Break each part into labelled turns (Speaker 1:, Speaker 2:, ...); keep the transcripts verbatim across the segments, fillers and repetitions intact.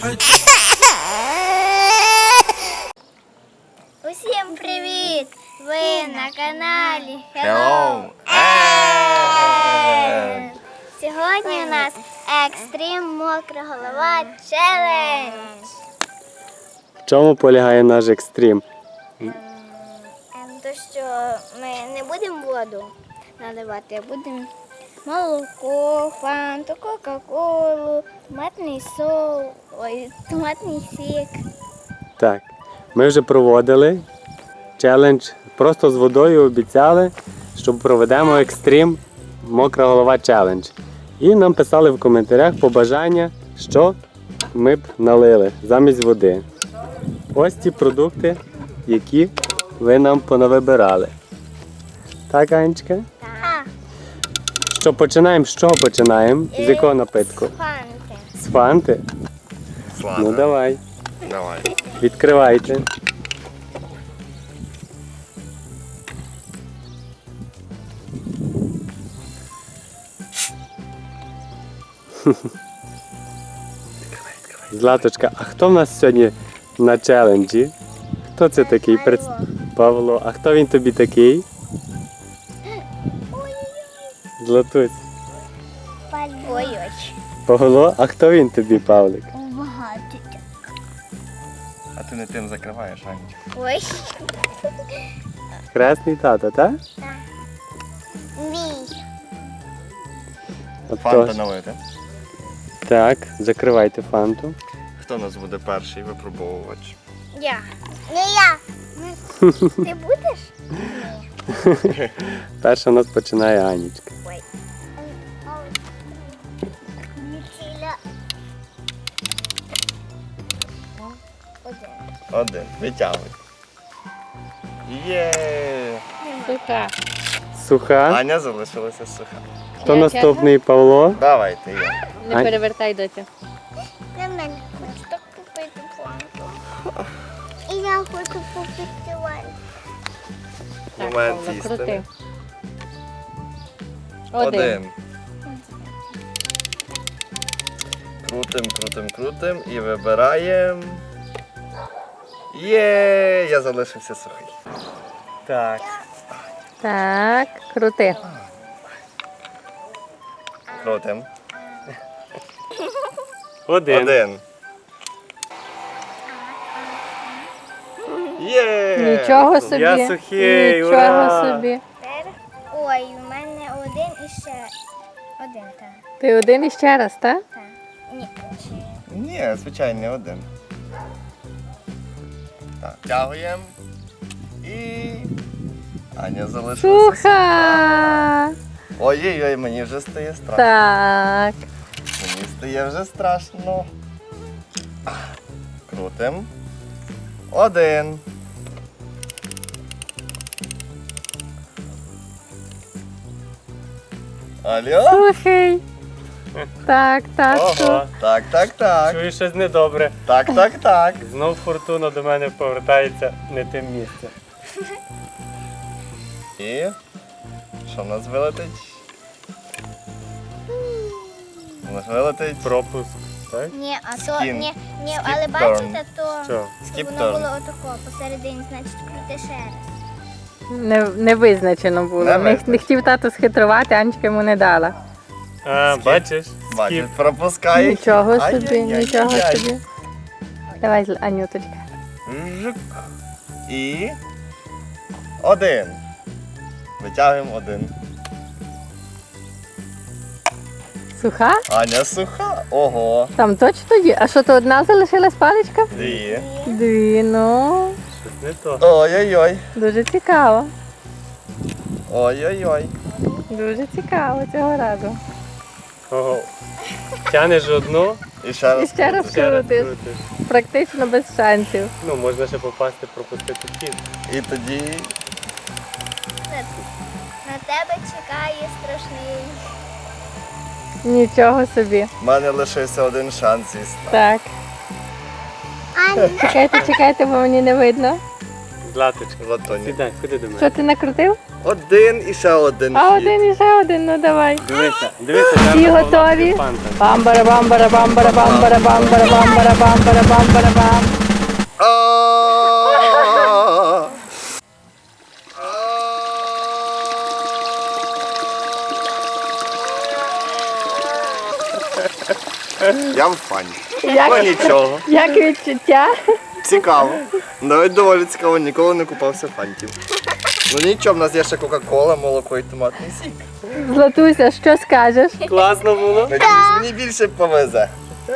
Speaker 1: Усім привіт! Ви на каналі
Speaker 2: Hello!
Speaker 1: Ен. Сьогодні у нас екстрим мокра голова челендж.
Speaker 3: В чому полягає наш екстрім?
Speaker 1: Ем, То що ми не будемо воду наливати, а будемо молоко, фанту, кока-колу, томатний сол, ой, томатний сік.
Speaker 3: Так, ми вже проводили челендж просто з водою, обіцяли, що проведемо екстрім мокра голова челендж. І нам писали в коментарях побажання, що ми б налили замість води. Ось ті продукти, які ви нам понавибирали. Так, Анечка?
Speaker 1: Так.
Speaker 3: Що починаємо? З чого починаємо? З якого напитку?
Speaker 1: Фанти.
Speaker 3: З фанти?
Speaker 2: Ладно,
Speaker 3: Ну давай,
Speaker 2: давай.
Speaker 3: відкривайте. Златочка, а хто в нас сьогодні на челенджі? Хто це такий? Пред- Павло. А хто він тобі такий? Златусь.
Speaker 1: Ой-ой.
Speaker 3: Павло, а хто він тобі, Павлик?
Speaker 1: Багато.
Speaker 2: А ти не тим закриваєш, Анечка.
Speaker 1: Ой.
Speaker 3: Хресний тато, так?
Speaker 1: Мій.
Speaker 3: А
Speaker 2: Фанта
Speaker 3: хто?
Speaker 2: налити.
Speaker 3: Так, закривайте фанту.
Speaker 2: Хто у нас буде перший випробовувач?
Speaker 1: Я. Не я. Ти будеш?
Speaker 3: Перша у нас починає Анічка.
Speaker 1: Ой. Один.
Speaker 2: Один. Витягуй. Є!
Speaker 4: Суха.
Speaker 3: Суха.
Speaker 2: Аня залишилася суха.
Speaker 3: Хто
Speaker 4: Я
Speaker 3: наступний, Павло?
Speaker 2: Давайте я.
Speaker 4: Не
Speaker 3: Ань.
Speaker 4: перевертай, доця.
Speaker 1: На мене хочу так купити фанту. І я хочу купити ванну.
Speaker 4: Так,
Speaker 2: Момент
Speaker 4: Павло,
Speaker 2: істини.
Speaker 4: крути. Один.
Speaker 2: Один. Крутим, крутим, крутим і вибираємо. Є! Я залишився сухий.
Speaker 3: Так.
Speaker 4: Так, крути.
Speaker 2: Крутим.
Speaker 3: Один.
Speaker 2: Один. Є!
Speaker 4: Нічого собі.
Speaker 3: Я сухий,
Speaker 4: Нічого
Speaker 3: ура!
Speaker 4: собі.
Speaker 1: Тепер. Ой, у мене один і ще один, так.
Speaker 4: Ти один іще раз, так?
Speaker 1: Так. Ні, чи...
Speaker 2: Ні, звичайно, один. Так, тягуємо. І. Аня залишилася.
Speaker 4: Суха.
Speaker 2: Ой-ой-ой, мені вже стає страшно.
Speaker 4: Так.
Speaker 2: Мені стає вже страшно. Крутим. Один. Алло?
Speaker 4: Сухий. Так, так,
Speaker 3: Ого.
Speaker 4: сух.
Speaker 2: Так, так, так.
Speaker 3: Чую щось недобре.
Speaker 2: Так, так, так.
Speaker 3: Знов фортуна до мене повертається не тим місцем.
Speaker 2: І що в нас вилетить? У нас вилетить
Speaker 3: Пропуск. Так?
Speaker 1: Ні, а то,
Speaker 2: Скін.
Speaker 1: ні, ні,
Speaker 2: Skip
Speaker 1: але
Speaker 2: turn.
Speaker 1: бачите, то,
Speaker 3: Що?
Speaker 1: то
Speaker 2: Skip
Speaker 1: воно
Speaker 2: turn.
Speaker 1: було отако посередині, значить крути ще раз.
Speaker 4: Не, не визначено було.
Speaker 2: Не
Speaker 4: Не, не
Speaker 2: визначено.
Speaker 4: хотів тато схитрувати, Анечка йому не дала.
Speaker 3: А,
Speaker 2: Скіп.
Speaker 3: бачиш?
Speaker 2: бачиш,
Speaker 3: Скіп.
Speaker 2: пропускає.
Speaker 4: Нічого собі,
Speaker 2: Ай-яй-яй-яй.
Speaker 4: нічого собі. Давай, Зл- Анюточка.
Speaker 2: Жук. І один. Витягуємо один.
Speaker 4: Суха?
Speaker 2: Аня суха. Ого.
Speaker 4: Там точно є. А що, то одна залишилась паличка?
Speaker 2: Дві.
Speaker 4: Дві, ну.
Speaker 3: Щось не то.
Speaker 2: Ой-ой-ой.
Speaker 4: Дуже цікаво.
Speaker 2: Ой-ой-ой.
Speaker 4: Дуже цікаво цього разу.
Speaker 3: Ого. Тянеш одну,
Speaker 2: І ще раз.
Speaker 4: І ще раз.
Speaker 2: крутиш.
Speaker 3: ще раз
Speaker 4: Крутиш.
Speaker 3: крутиш.
Speaker 4: Практично без шансів.
Speaker 3: Ну, можна ще попасти, пропустити хід.
Speaker 2: І тоді.
Speaker 1: На, на тебе чекає страшний.
Speaker 4: Нічого собі.
Speaker 2: в мене лишився один шанс і став.
Speaker 4: Так.
Speaker 1: Аня,
Speaker 4: Чекайте, чекайте, бо мені не видно.
Speaker 3: Златочка,
Speaker 2: Латоні.
Speaker 3: сідай, ходи до мене.
Speaker 4: Що ти накрутив?
Speaker 2: Один і ще один.
Speaker 4: А
Speaker 2: хід.
Speaker 4: один і ще один, ну давай.
Speaker 3: Дивися, дивися,
Speaker 4: Всі
Speaker 3: Павла
Speaker 4: готові?
Speaker 3: під фантом.
Speaker 4: Бамбара, бамбара, бамбара, бамбара, бамбара, бамбара, бамбара, бамбара, бам.
Speaker 2: А-а-а! Я в фані. Ну
Speaker 4: Як,
Speaker 2: нічого.
Speaker 4: як відчуття?
Speaker 2: Цікаво. Навіть доволі цікаво, ніколи не купався фантів. Ну нічого, в нас є ще Кока-Кола, молоко і томатний сік.
Speaker 4: Златуся, що скажеш?
Speaker 3: Класно було.
Speaker 2: Надіюсь, мені більше повезе.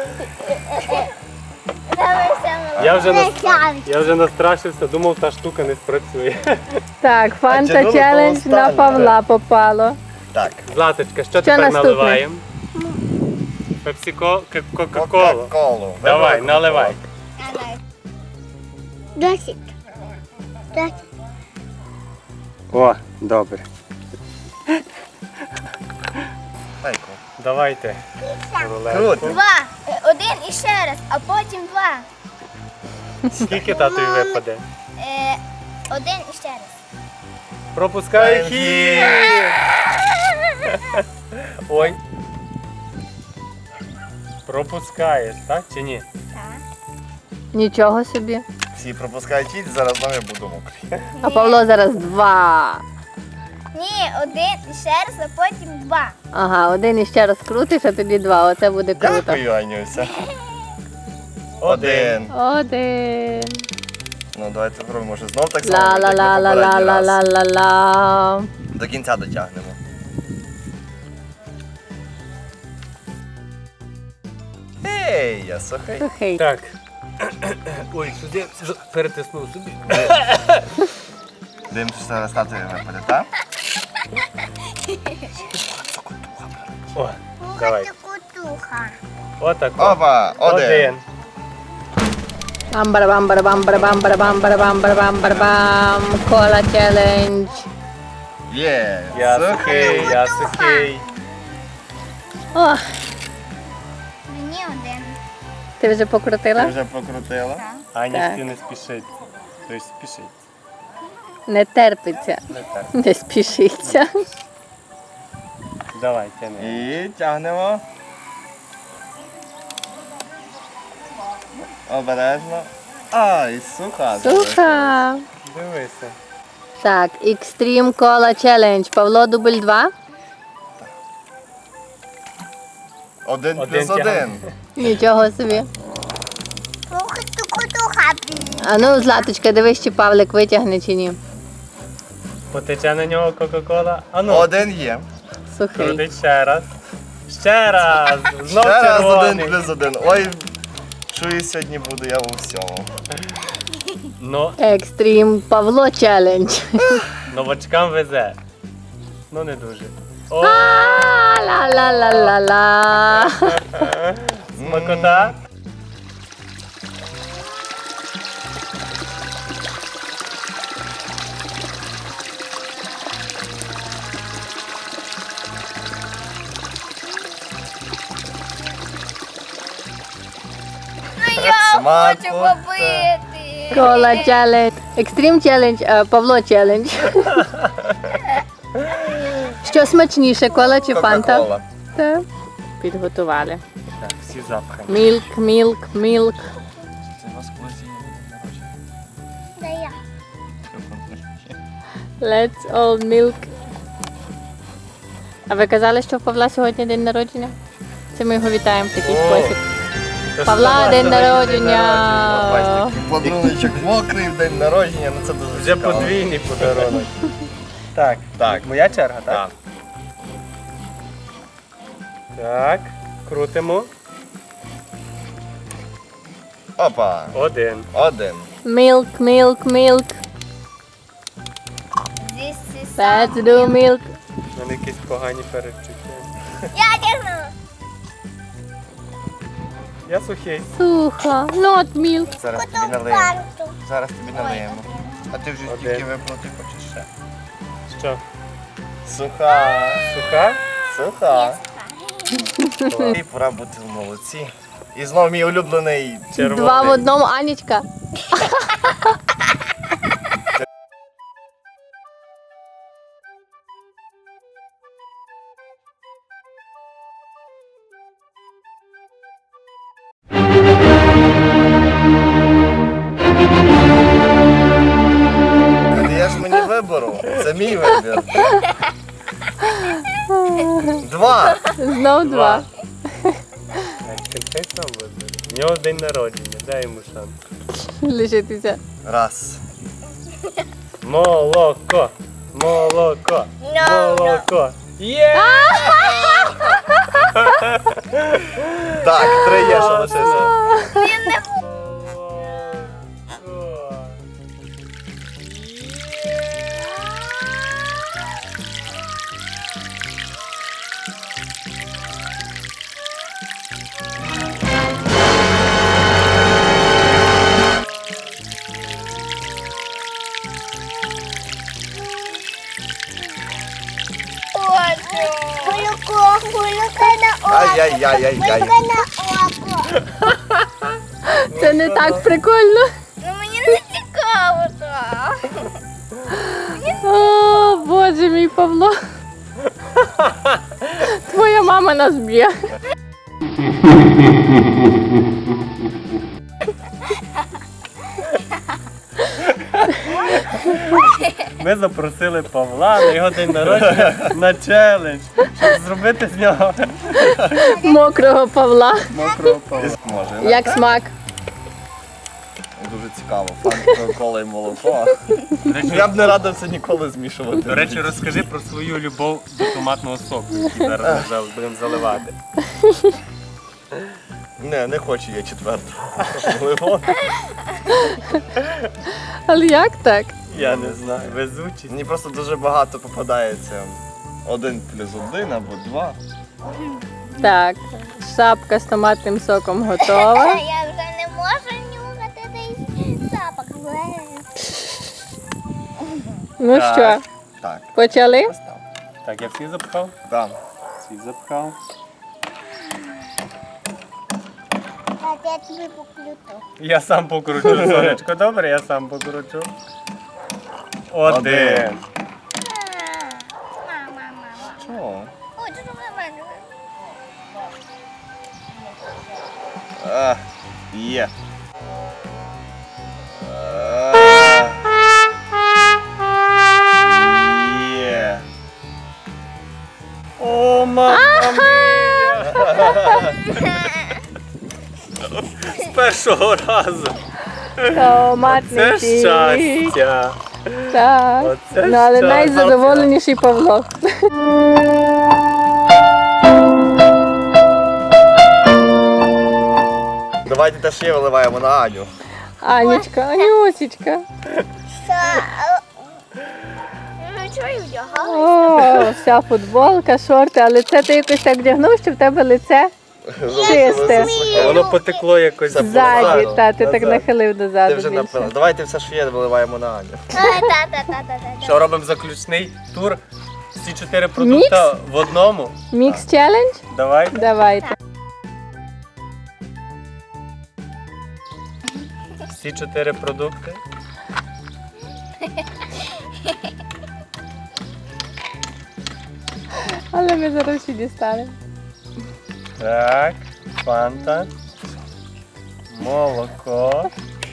Speaker 3: Я вже, нас... я вже настрашився, думав, та штука не спрацює.
Speaker 4: Так, фанта
Speaker 2: тягнули
Speaker 4: челендж
Speaker 2: до
Speaker 4: на
Speaker 2: останнього.
Speaker 4: Павла попало.
Speaker 2: Так.
Speaker 3: Златочка, що,
Speaker 4: Що
Speaker 3: тепер
Speaker 4: наступне?
Speaker 3: наливаємо? Пепсіко, к- Кока-Колу.
Speaker 2: Кока-Колу.
Speaker 3: Давай,
Speaker 2: Вибрали
Speaker 3: наливай.
Speaker 1: Досить. Досить.
Speaker 3: О, добре.
Speaker 2: Найко.
Speaker 3: Давайте.
Speaker 2: Круто.
Speaker 1: Два. Е, Один і ще раз, а потім два.
Speaker 3: Скільки татові випаде?
Speaker 1: Е, Один і ще раз.
Speaker 3: Пропускаю хід. Ой. Пропускаєш, так чи ні?
Speaker 1: Так.
Speaker 4: Нічого собі.
Speaker 2: Всі пропускають хід, зараз знову я буду мокрий.
Speaker 4: А Павло зараз два.
Speaker 1: Ні, один і ще раз, а потім два.
Speaker 4: Ага, один іще раз крутиш, а тоді два. Оце буде круто.
Speaker 2: Дякую, Анюся. Один.
Speaker 4: Один.
Speaker 2: Ну давайте спробуємо, може знов так само. як на
Speaker 4: Ла-ла-ла-ла-ла-ла-ла-ла-ла.
Speaker 2: попередній раз. До кінця дотягнемо. Ей, я сухий.
Speaker 4: Сухий.
Speaker 3: Так. Ой, сюди перетиснув собі.
Speaker 2: Дивимося, що зараз татові випаде, так?
Speaker 3: О, давай.
Speaker 1: Кутуха.
Speaker 3: Отак.
Speaker 2: Опа, один.
Speaker 3: Один.
Speaker 4: Бамбара, бамбара, бамбара, бамбара, бамбара, бамбара, бамбара, бам. Кола челендж.
Speaker 2: Є,
Speaker 3: Я
Speaker 2: сухий.
Speaker 3: сухий, я сухий.
Speaker 4: О,
Speaker 1: Мені один.
Speaker 4: ти вже
Speaker 2: Ти
Speaker 4: покрутила?
Speaker 2: вже покрутила?
Speaker 3: Ані
Speaker 4: Так.
Speaker 3: всі не спішить. Тобто спішить.
Speaker 4: Не терпиться.
Speaker 3: Не так.
Speaker 4: Не спішиться.
Speaker 3: Давай, тяни.
Speaker 2: І тягнемо. Обережно. Ай, суха.
Speaker 4: Суха.
Speaker 3: Дивися.
Speaker 4: Так, Extreme Cola Challenge. Павло дубль два.
Speaker 2: Один
Speaker 3: Один
Speaker 2: плюс
Speaker 3: тягне.
Speaker 2: один.
Speaker 4: Нічого собі.
Speaker 1: Слухайте, кутуха.
Speaker 4: А ну, Златочка, дивись, чи Павлик витягне чи ні.
Speaker 3: Потече на нього Кока-Кола. А ну,
Speaker 2: Один є.
Speaker 4: Сухий.
Speaker 3: крутить ще раз. Ще раз. Знов
Speaker 2: Ще раз один
Speaker 3: червоний.
Speaker 2: плюс один. Ой, чую, сьогодні буду я у всьому.
Speaker 3: Ну,
Speaker 4: Extreme Павло Challenge.
Speaker 3: новачкам везе. Ну не дуже. О,
Speaker 4: Ла-ла-ла-ла-ла.
Speaker 3: смакота.
Speaker 1: Ну я
Speaker 2: Смакота.
Speaker 1: хочу побити.
Speaker 4: Кола Challenge. Extreme Challenge, е, Павло Challenge. Що смачніше, кола чи фанта?
Speaker 2: Кока-кола.
Speaker 4: Так. Підготували.
Speaker 3: Так, всі запхані.
Speaker 4: Мілк, мілк, мілк.
Speaker 2: Це у вас колись є народження?
Speaker 1: Да я.
Speaker 4: Let's all milk. А ви казали, що в Павла сьогодні день народження? Це ми його вітаємо в такий
Speaker 3: О.
Speaker 4: спосіб.
Speaker 3: Тож
Speaker 4: Павла,
Speaker 3: сьогодні
Speaker 4: день
Speaker 3: день
Speaker 4: народження.
Speaker 2: Бачите, такий подаруночок мокрий в день народження, ну це дуже
Speaker 3: Вже
Speaker 2: цікаво.
Speaker 3: подвійний подарунок. Так,
Speaker 2: Так.
Speaker 3: моя черга, так?
Speaker 2: Так.
Speaker 3: Так, крутимо.
Speaker 2: Опа,
Speaker 3: Один.
Speaker 2: один.
Speaker 4: Milk, milk, milk.
Speaker 1: This is
Speaker 4: Let's do milk.
Speaker 3: У мене якісь погані передчуття.
Speaker 1: Я тягну.
Speaker 3: Я сухий.
Speaker 4: Сухо. Not milk.
Speaker 2: Зараз тобі налиємо.
Speaker 1: Фанту.
Speaker 2: Зараз тобі налиємо. А ти вже
Speaker 3: Один.
Speaker 2: тільки виплати хочеш ще.
Speaker 3: Що?
Speaker 2: Суха.
Speaker 3: Суха?
Speaker 2: Суха. І пора бути в молодці. І знову мій улюблений.
Speaker 3: Червоний.
Speaker 4: Два в одному, Анічка. Знов два.
Speaker 3: Хай сам вибере. У нього день народження, дай йому шанс.
Speaker 4: Лишитися.
Speaker 2: Раз.
Speaker 3: Молоко! Молоко! Молоко! Є!
Speaker 2: Так, три є, що лишився.
Speaker 1: Хулюко, хулюка на око.
Speaker 2: Ай-яй-яй-яй-яй.
Speaker 1: Хулюка на око.
Speaker 4: Це не так прикольно.
Speaker 1: Ну мені не цікаво так.
Speaker 4: О, Боже мій Павло. Твоя мама нас б'є.
Speaker 3: Ми запросили Павла на його день народження на челендж, щоб зробити з нього
Speaker 4: Мокрого Павла.
Speaker 3: мокрого Павла.
Speaker 2: Може.
Speaker 4: Як смак?
Speaker 2: Дуже цікаво. Фанта, кола і молоко. Я б не радився ніколи змішувати.
Speaker 3: До речі, розкажи про свою любов до томатного соку, який зараз ми вже будемо заливати.
Speaker 2: Не, не хочу я четверту. Лимон.
Speaker 4: Але як так?
Speaker 3: Я не знаю. Везучість.
Speaker 2: Мені просто дуже багато попадається. Один плюс один або два.
Speaker 4: Так, шапка з томатним соком готова.
Speaker 1: Я вже не можу нюхати цей запах.
Speaker 4: Ну
Speaker 3: Так.
Speaker 4: що,
Speaker 2: Так,
Speaker 4: почали?
Speaker 2: постав.
Speaker 3: Так, я всі запхав?
Speaker 2: Там.
Speaker 3: Всі запхав.
Speaker 1: Так, я тобі покруту.
Speaker 3: Я сам покручу, сонечко. Добре, я сам покручу. Один.
Speaker 2: Один.
Speaker 1: Мама, мама.
Speaker 2: Чого?
Speaker 1: Ой, що в мене?
Speaker 2: А, є. А, є.
Speaker 3: О, мама мія! З першого разу.
Speaker 4: Томатний
Speaker 3: Це
Speaker 4: сік.
Speaker 3: щастя.
Speaker 4: Так.
Speaker 3: Оце
Speaker 4: Ну, але
Speaker 3: щастя.
Speaker 4: найзадоволеніший Павло.
Speaker 2: Давайте теж ще виливаємо на Аню.
Speaker 4: Анічка, Анюсічка.
Speaker 1: Що? Ну, чого я вдягала?
Speaker 4: О, вся футболка, шорти, але це ти якось так вдягнув, що в тебе лице чисте.
Speaker 3: Воно потекло якось.
Speaker 2: Це
Speaker 4: Ззаді,
Speaker 2: позаду.
Speaker 4: та ти так
Speaker 2: Назад.
Speaker 4: нахилив
Speaker 2: Ти
Speaker 4: дозаду
Speaker 2: вже напила.
Speaker 4: більше.
Speaker 2: Давайте все, що є, виливаємо на Аню.
Speaker 1: Та-та-та-та-та.
Speaker 3: Що робимо заключний тур? Всі чотири продукти в одному.
Speaker 4: Мікс челендж?
Speaker 3: Давай.
Speaker 4: Давайте.
Speaker 3: Всі чотири продукти.
Speaker 4: Але ми зараз всі дістанемо.
Speaker 3: Так, фанта, молоко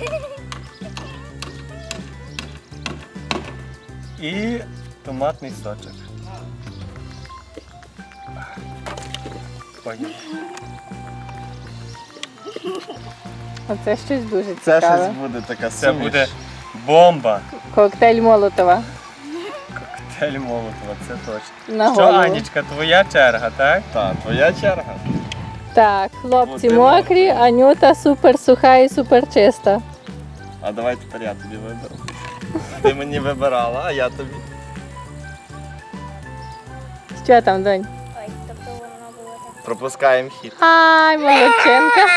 Speaker 3: і томатний сочок. Поїхали.
Speaker 4: Оце щось дуже
Speaker 2: Це
Speaker 4: цікаве.
Speaker 2: щось буде така
Speaker 3: Це
Speaker 2: суміш.
Speaker 3: буде бомба.
Speaker 4: Коктейль Молотова.
Speaker 3: Коктейль Молотова, це точно.
Speaker 4: На
Speaker 3: Що,
Speaker 4: голову.
Speaker 3: Анічка, твоя черга, так?
Speaker 2: Так, твоя черга.
Speaker 4: Так, хлопці
Speaker 2: Буде
Speaker 4: мокрі, Анюта супер суха і супер чиста.
Speaker 2: А давай тепер я тобі виберу. Ти мені вибирала, а я тобі.
Speaker 4: Що там, донь?
Speaker 1: Ой, тобто воно було так.
Speaker 2: Пропускаємо хід.
Speaker 4: Ай, молодчинка.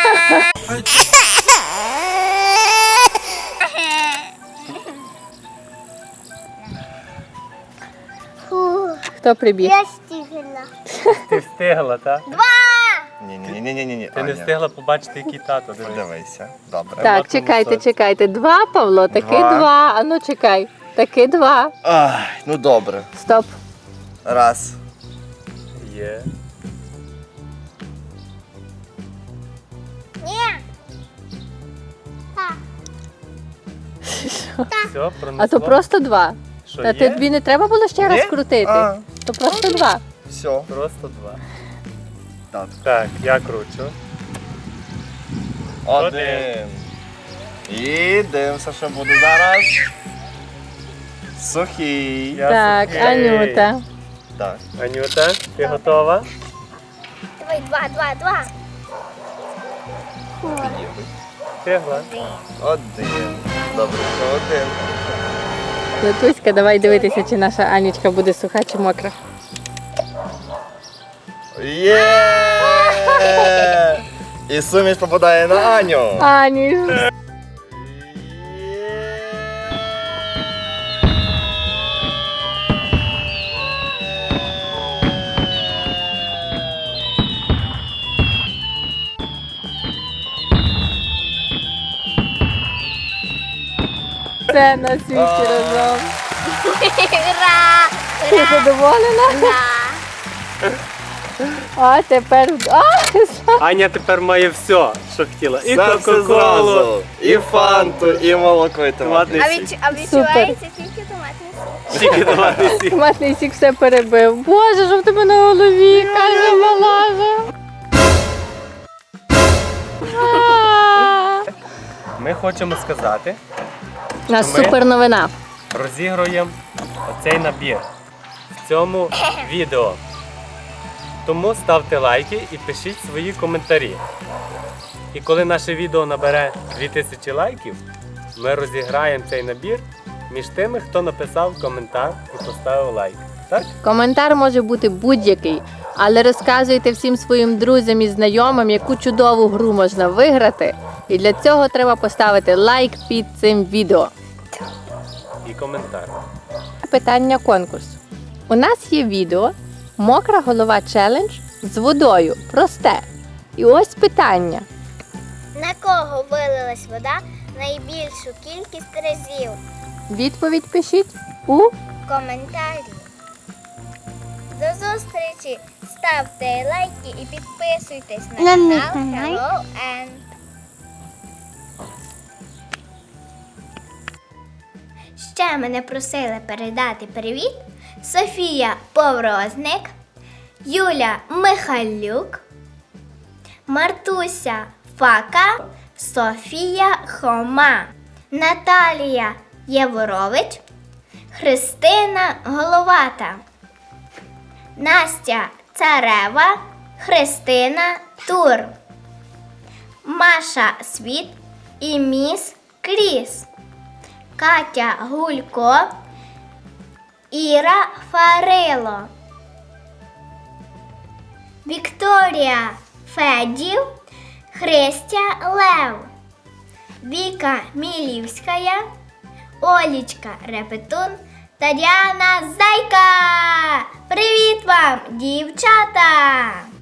Speaker 1: Фу,
Speaker 4: Хто прибіг?
Speaker 1: я стігла.
Speaker 3: Ти встигла, так?
Speaker 2: Ні-ні-ні-ні-ні.
Speaker 3: Ти не встигла побачити, який тато. Дивись.
Speaker 2: Подивися. Добре.
Speaker 4: Так,
Speaker 3: Томатному
Speaker 4: чекайте,
Speaker 3: соці.
Speaker 4: чекайте. Два, Павло, таки
Speaker 2: Два.
Speaker 4: два. А ну чекай. Таки два.
Speaker 2: Ай, ну добре.
Speaker 4: Стоп.
Speaker 2: Раз.
Speaker 3: Є.
Speaker 1: Ні. Так.
Speaker 3: Все, пронесло.
Speaker 4: А то просто два.
Speaker 3: Що,
Speaker 4: Та
Speaker 3: є?
Speaker 4: ти тобі не треба було ще раз
Speaker 2: Ні?
Speaker 4: крутити.
Speaker 2: А.
Speaker 4: То просто два.
Speaker 2: Все.
Speaker 3: Просто два.
Speaker 2: Так.
Speaker 3: Так, я кручу.
Speaker 2: Один. І дивимося, що буде зараз. Сухий.
Speaker 3: Я
Speaker 4: Так,
Speaker 3: сухий.
Speaker 4: Анюта.
Speaker 2: Так.
Speaker 3: Анюта, ти готова?
Speaker 1: Давай, два, два, два.
Speaker 3: Встигла.
Speaker 2: Один. Добре, що один.
Speaker 4: Летуська, давай дивитися, чи наша Анічка буде суха чи мокра.
Speaker 2: Є! І суміш попадає на Аню.
Speaker 4: Ані.
Speaker 2: Є!
Speaker 4: Це на світі разом.
Speaker 1: Ура!
Speaker 4: Ти
Speaker 1: Ура!
Speaker 4: задоволена?
Speaker 1: Ура!
Speaker 4: А тепер. А,
Speaker 3: Аня тепер має все, що хотіла. І
Speaker 2: Все, все
Speaker 3: кока-колу,
Speaker 2: зразу. І фанту, і молоко, і томатний
Speaker 1: А,
Speaker 2: сік.
Speaker 1: відчу... а відчувається тільки томатний сік.
Speaker 3: тільки томатний сік.
Speaker 4: томатний сік все перебив. Боже, що в тебе на голові, каже малажа.
Speaker 3: Ми хочемо сказати,
Speaker 4: У нас
Speaker 3: Ми?
Speaker 4: супер новина.
Speaker 3: розігруємо оцей набір в цьому відео. Тому ставте лайки і пишіть свої коментарі. І коли наше відео набере дві тисячі лайків, ми розіграємо цей набір між тими, хто написав коментар і поставив лайк. Так?
Speaker 4: Коментар може бути будь-який, але розказуйте всім своїм друзям і знайомим, яку чудову гру можна виграти. І для цього треба поставити лайк під цим відео.
Speaker 3: І коментар.
Speaker 4: Питання конкурсу. У нас є відео «Мокра голова челендж» з водою. Просте. І ось питання.
Speaker 1: На кого вилилась вода найбільшу кількість разів?
Speaker 4: Відповідь пишіть у
Speaker 1: Коментарі. До зустрічі! Ставте лайки і підписуйтесь на канал Hello N. Ще мене просили передати привіт Софія Поврозник, Юля Михайлюк, Мартуся Фака, Софія Хома, Наталія Єворович, Христина Головата, Настя Царева, Христина Тур, Маша Світ і Міс Кріс, Катя Гулько, Іра Фарило, Вікторія Федів, Христя Лев, Віка Мілівська, Олічка Репетун та Діана Зайка. Привіт вам, дівчата!